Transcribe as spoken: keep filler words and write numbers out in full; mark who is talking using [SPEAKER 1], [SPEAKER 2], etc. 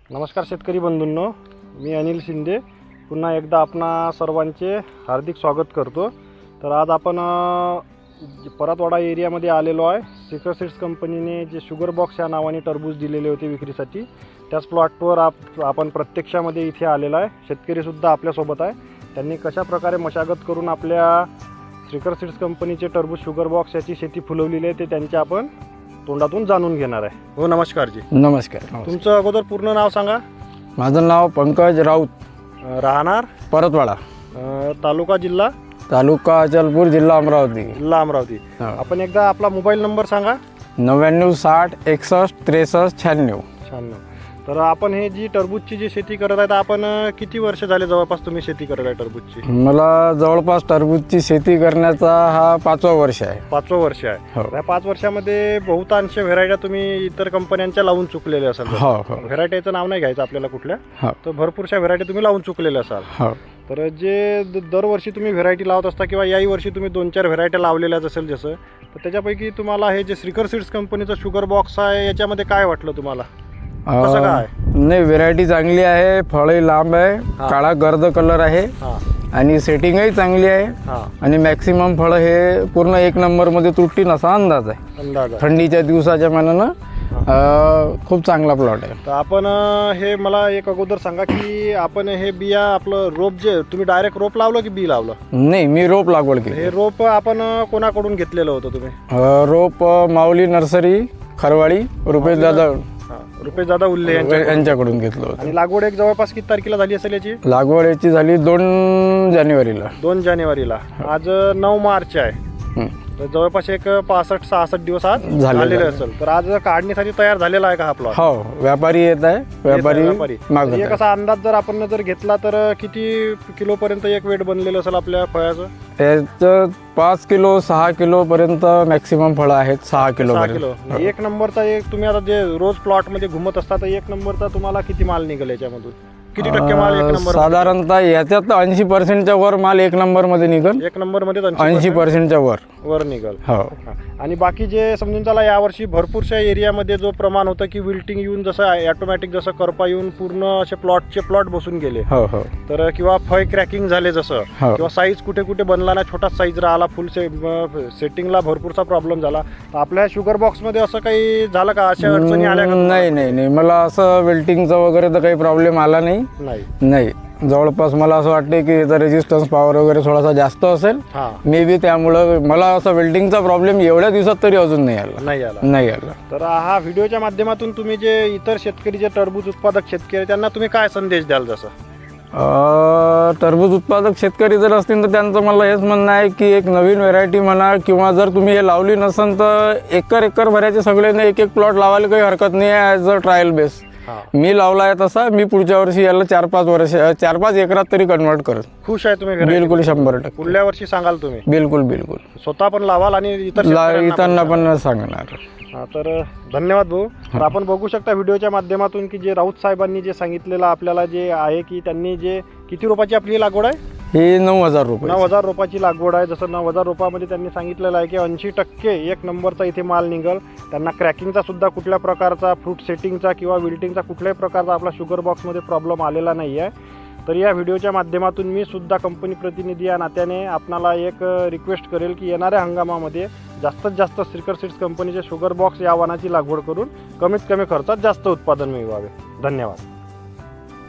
[SPEAKER 1] नमस्कार शेतकरी बंधूंनो, मी अनिल शिंदे पुन्हा एकदा आपणा सर्वांचे हार्दिक स्वागत करतो। तर आज आपण परतवाडा एरियामध्ये आलेलो आहे। सिकर सीड्स कंपनीने जे शुगर बॉक्स या नावाने टरबूज दिलेले होते विक्रीसाठी, त्याच प्लॉटवर आप आपण प्रत्यक्षामध्ये इथे आलेलो आहे। शेतकरीसुद्धा आपल्यासोबत आहे। त्यांनी कशा प्रकारे मशागत करून आपल्या सिकर सीड्स कंपनीचे टरबूज शुगर बॉक्स याची शेती फुलवलेली आहे ते त्यांचे आपण तोंडातून जाणून घेणार आहे। हो, नमस्कार जी।
[SPEAKER 2] नमस्कार।
[SPEAKER 1] तुमचं अगोदर पूर्ण नाव सांगा।
[SPEAKER 2] माझं नाव पंकज राऊत,
[SPEAKER 1] राहणार
[SPEAKER 2] परतवाडा,
[SPEAKER 1] तालुका जिल्हा
[SPEAKER 2] तालुका अचलपूर, जिल्हा अमरावती।
[SPEAKER 1] जिल्हा अमरावती। आपण एकदा आपला मोबाईल नंबर सांगा।
[SPEAKER 2] नव्याण्णव साठ एकसष्ट त्रेसष्ट शहाण्णव
[SPEAKER 1] शहाण्णव। तर आपण हे जी टरबूजची जी शेती करत आहे, आपण किती वर्ष झाले जवळपास तुम्ही शेती करत आहे टरबूजची?
[SPEAKER 2] मला जवळपास टरबूजची शेती करण्याचा हा पाचवा वर्ष आहे।
[SPEAKER 1] पाचवा वर्ष आहे।
[SPEAKER 2] हो।
[SPEAKER 1] या पाच वर्षामध्ये बहुतांश व्हेरायट्या तुम्ही इतर कंपन्यांच्या लावून चुकलेल्या असाल।
[SPEAKER 2] हो हो।
[SPEAKER 1] व्हेरायटीचं नाव नाही घ्यायचं आपल्याला कुठल्या,
[SPEAKER 2] हो।
[SPEAKER 1] तर भरपूरशा व्हेरायटी तुम्ही लावून चुकलेल्या असाल।
[SPEAKER 2] हो।
[SPEAKER 1] तर जे दरवर्षी तुम्ही व्हेरायटी लावत असता किंवा याही वर्षी तुम्ही दोन चार व्हेरायटी लावलेल्याच असेल जसं, तर त्याच्यापैकी तुम्हाला हे जे सिकर सीड्स कंपनीचं शुगर बॉक्स आहे याच्यामध्ये काय वाटलं तुम्हाला? कसं काय?
[SPEAKER 2] नाही, व्हेरायटी चांगली आहे, फळही लांब आहे, काळा गर्द कलर आहे आणि सेटिंगही चांगली आहे आणि मॅक्सिमम फळं हे पूर्ण एक नंबरमध्ये तुटतील असा अंदाज आहे।
[SPEAKER 1] अंदाज आहे।
[SPEAKER 2] थंडीच्या दिवसाच्या मानानं खूप चांगला प्लॉट आहे।
[SPEAKER 1] तर आपण हे मला एक अगोदर सांगा की आपण हे बिया आपलं रोप जे तुम्ही डायरेक्ट रोप लावलं की बी लावलं?
[SPEAKER 2] नाही, मी रोप लागवड केली।
[SPEAKER 1] हे रोप आपण कोणाकडून घेतलेलं होतं तुम्ही?
[SPEAKER 2] रोप माऊली नर्सरी, खरवाडी, रुपेश दादा
[SPEAKER 1] रुपेश दादा उल्ले
[SPEAKER 2] यांच्याकडून घेतलं होतं।
[SPEAKER 1] आणि लागवड एक जवळपास किती तारखेला झाली असेल याची?
[SPEAKER 2] लागवड याची झाली दोन जानेवारीला।
[SPEAKER 1] दोन जानेवारीला। आज नऊ मार्च आहे, तर जवळपास एक पासष्ट सहासष्ट दिवस आज झालेले असेल। तर आज काढणीसाठी तयार झालेला आहे का हा प्लॉट?
[SPEAKER 2] हो, व्यापारी येत आहे, व्यापारी मागत आहे।
[SPEAKER 1] एक असा अंदाज जर आपण जर घेतला तर किती किलो पर्यंत एक वेट बनलेलं असेल आपल्या फळाचं?
[SPEAKER 2] याचं पाच किलो सहा किलो पर्यंत मॅक्सिमम फळं आहेत। सहा किलो
[SPEAKER 1] किलो एक नंबरचा एक तुम्ही आता जे रोज प्लॉट मध्ये घुमत असता, तर एक नंबरचा तुम्हाला किती माल निघेल याच्यामधून? किती टक्के माल एक नंबर?
[SPEAKER 2] साधारणतः याच्यात ऐंशी पर्सेंटच्या वर माल एक नंबर मध्ये निघल।
[SPEAKER 1] एक नंबर मध्ये
[SPEAKER 2] ऐंशी पर्सेंटच्या वर
[SPEAKER 1] वर निघल।
[SPEAKER 2] हो।
[SPEAKER 1] आणि बाकी जे समजून चला यावर्षी भरपूरशा एरियामध्ये जो प्रमाण होतं की विल्टिंग येऊन जसं ऑटोमॅटिक जसं करपा येऊन पूर्ण असे प्लॉटचे प्लॉट बसून गेले,
[SPEAKER 2] हो हो,
[SPEAKER 1] तर किंवा फळ क्रॅकिंग झाले जसं, किंवा साईज कुठे कुठे बनला ना, छोटा साईज राहिला, फुल से सेटिंगला भरपूरचा प्रॉब्लेम झाला। आपल्या शुगर बॉक्स मध्ये असं काही झालं का? अशा अडचणी आल्या का?
[SPEAKER 2] नाही नाही नाही, मला असं वेल्टिंगचा वगैरे तर काही प्रॉब्लेम आला नाही।
[SPEAKER 1] नाही
[SPEAKER 2] नाही, जवळपास मला असं वाटते की याचा रेजिस्टन्स पॉवर वगैरे थोडासा जास्त असेल मे बी, त्यामुळं मला असं वेल्डिंगचा प्रॉब्लेम एवढ्या दिवसात तरी अजून नाही आला
[SPEAKER 1] नाही आला
[SPEAKER 2] नाही आला
[SPEAKER 1] तर हा व्हिडिओच्या माध्यमातून तुम्ही जे इतर शेतकरी जे टरबूज उत्पादक शेतकरी त्यांना तुम्ही काय संदेश द्याल? जसं
[SPEAKER 2] टरबूज उत्पादक शेतकरी जर असतील तर त्यांचं मला हेच म्हणणं आहे की एक नवीन व्हेरायटी म्हणा, किंवा जर तुम्ही हे लावली नसेल तर एकर एकर भरायचे सगळ्यांना एक एक प्लॉट लावायला काही हरकत नाही आहे ॲज अ ट्रायल बेस। मी लावला आहे तसा, मी पुढच्या वर्षी याला चार पाच वर्ष चार पाच एकरात तरी कन्वर्ट करत।
[SPEAKER 1] खुश आहे तुम्ही?
[SPEAKER 2] बिलकुल, शंभर टक्के।
[SPEAKER 1] पुढल्या वर्षी सांगाल तुम्ही?
[SPEAKER 2] बिलकुल बिलकुल,
[SPEAKER 1] स्वतः पण लावाल आणि इतर
[SPEAKER 2] इतरांना पण सांगणार।
[SPEAKER 1] तर धन्यवाद भाऊ। तर आपण बघू शकता व्हिडिओच्या माध्यमातून की जे राऊत साहेबांनी जे सांगितलेलं आपल्याला जे आहे की त्यांनी जे किती रोपाची आपली लागवड आहे?
[SPEAKER 2] ही नऊ हजार रुपये
[SPEAKER 1] नऊ हजार रोपाची लागवड आहे। जसं नऊ हजार रोपामध्ये त्यांनी सांगितलेलं आहे की ऐंशी टक्के एक नंबरचा इथे माल निघल। त्यांना क्रॅकिंगचा सुद्धा कुठल्या प्रकारचा, फ्रूट सेटिंगचा किंवा विल्टिंगचा कुठल्याही प्रकारचा आपला शुगर बॉक्समध्ये प्रॉब्लेम आलेला नाही आहे। तर या व्हिडिओच्या माध्यमातून मी सुद्धा कंपनी प्रतिनिधी या नात्याने आपणाला एक रिक्वेस्ट करेल की येणाऱ्या हंगामामध्ये जास्तीत जास्त सिकर सीड्स कंपनीचे शुगर बॉक्स या वाणाची लागवड करून कमीत कमी खर्चात जास्त उत्पादन मिळवावे। धन्यवाद।